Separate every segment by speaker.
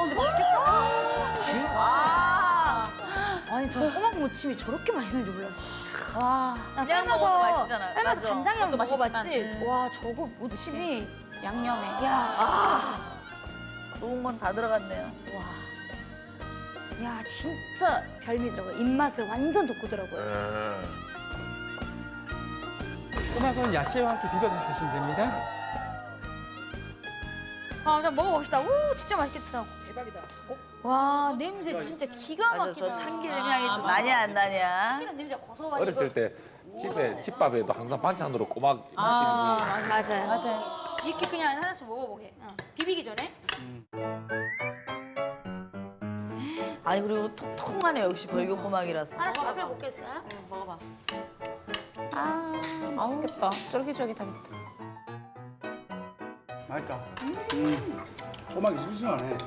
Speaker 1: 근데 맛있겠다. 와. 아니 저 호박 무침이 저렇게 맛있는 줄 몰랐어. 와. 나
Speaker 2: 그냥 먹어도 맛있잖아.
Speaker 1: 삶아서
Speaker 2: 맞아.
Speaker 1: 간장이랑
Speaker 2: 그것도
Speaker 1: 먹어봤지.
Speaker 2: 맛있지만,
Speaker 1: 와 저거 무침이
Speaker 2: 양념에.
Speaker 1: 야.
Speaker 2: 좋은 건 다 들어갔네요.
Speaker 1: 와. 야 진짜 별미더라고요. 입맛을 완전 돋구더라고요.
Speaker 3: 꼬막은 야채와 함께 비벼서 드시면 됩니다.
Speaker 1: 아, 자 먹어봅시다. 오, 진짜 맛있겠다. 대박이다. 와, 냄새 진짜 기가
Speaker 2: 맞아,
Speaker 1: 막히다.
Speaker 2: 저 참기름 향이 또 나냐 안 나냐.
Speaker 1: 참기름 냄새 고소하고.
Speaker 4: 어렸을 때 집에 집밥에도 항상 반찬으로 꼬막 무침이
Speaker 1: 맞아요.
Speaker 2: 맞아요.
Speaker 1: 이렇게 그냥 하나씩 먹어보게. 비비기 전에.
Speaker 2: 아니 그리고 통통하네 역시 벌교꼬막이라서.
Speaker 1: 하나씩 맛을 볼겠어요?
Speaker 2: 먹어봐. 아 맛있겠다. 쫄깃쫄깃하겠다.
Speaker 5: 맛있다. 꼬막이 싱싱하네.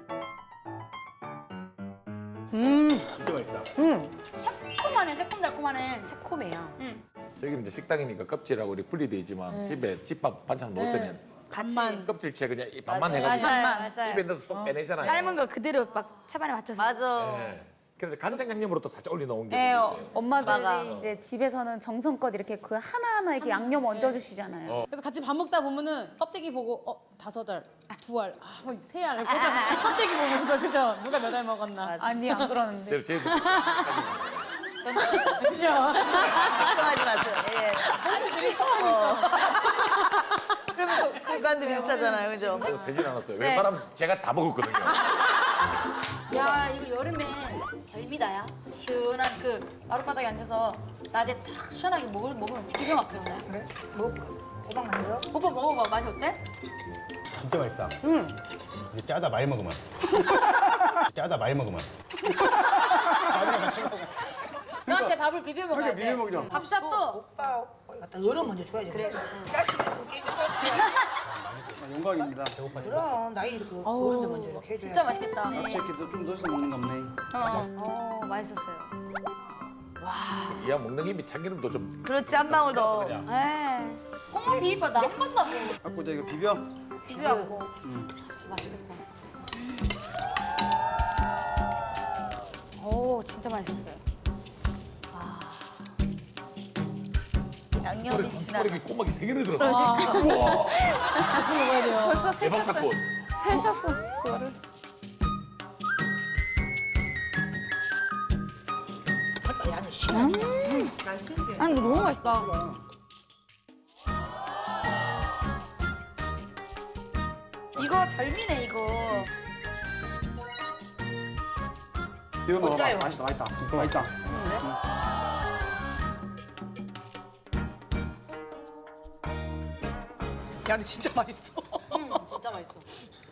Speaker 5: 진짜 맛있다.
Speaker 1: 새콤하네, 새콤달콤하네.
Speaker 2: 새콤해요.
Speaker 4: 저기는 이제 식당이니까 껍질하고 이렇게 분리돼 있지만 집에 집밥 반찬 먹을 때는
Speaker 2: 반만.
Speaker 4: 껍질째 그냥 이 반만
Speaker 2: 맞아요.
Speaker 4: 해가지고
Speaker 1: 맞아요.
Speaker 4: 입에 넣어서 쏙 빼내잖아요.
Speaker 1: 삶은 거 그대로 막 차반에 맞춰서.
Speaker 2: 맞아.
Speaker 4: 네. 그래서 간장 양념으로 또 살짝 올려놓은 게
Speaker 2: 네,
Speaker 4: 있어요.
Speaker 6: 엄마들이 이제 집에서는 정성껏 이렇게 그 하나하나 이렇게 양념 얹어주시잖아요.
Speaker 7: 그래서 같이 밥 먹다 보면은 껍데기 보고 5알, 2알, 3알 보잖아. 껍데기 보면서 그죠? 누가 몇 알 먹었나?
Speaker 6: 아니 안 그러는데.
Speaker 4: 저희도
Speaker 7: 그죠?
Speaker 2: 걱정하지 마세요. 예. 그러면 그간도 비슷하잖아요, 그죠?
Speaker 4: 그래서 세진 않았어요. 웬만하면 제가 다 먹었거든요.
Speaker 1: 야, 이거 여름에 별미다야. 시원한 그 마룻바닥에 앉아서 낮에 딱 시원하게 먹으면 기가 막히는데. 그래? 먹어볼까? 호박 만져? 오빠 먹어봐. 맛이 어때?
Speaker 5: 진짜 맛있다. 이제 짜다 많이 먹으면. 짜다 많이 먹으면.
Speaker 1: 너한테 밥을 비벼 먹어야 돼.
Speaker 5: 비벼 먹자.
Speaker 1: 밥샷도
Speaker 8: 오빠 갖다 얼음 먼저 줘야지. 그래. 가스있으면 깨져야지.
Speaker 5: 영광입니다. 배고파 죽겠어.
Speaker 8: 그럼 나이 이렇게 어른들 먼저 이렇게 해줘야지.
Speaker 1: 진짜 맛있겠다.
Speaker 5: 같이 이렇게 좀 넣어서 먹는 거 없네.
Speaker 1: 맛있었어요.
Speaker 4: 이왕 먹는 김에 참기름도 좀
Speaker 2: 그렇지 한 방울 더.
Speaker 4: 그냥
Speaker 1: 에이, 콩물 비빔밥 나한 번도 안 먹어.
Speaker 5: 갖고 이제 이거 비벼.
Speaker 1: 비벼갖고.
Speaker 7: 맛있겠다.
Speaker 1: 오, 진짜 맛있었어요.
Speaker 2: 양념이 진하.
Speaker 4: 꼬막이 꼬막이 3개를 들었어. 우와.
Speaker 7: 먹어야 돼요.
Speaker 6: 벌써
Speaker 4: 대박 사건.
Speaker 6: 세셨어 그거를.
Speaker 1: 아니, 이거 너무 맛있다. 이거 별미네, 이거.
Speaker 5: 비벼 먹어봐.
Speaker 8: 짜요.
Speaker 5: 맛있다, 맛있다. 맛있다.
Speaker 8: 야, 근데 진짜 맛있어.
Speaker 7: 진짜 맛있어.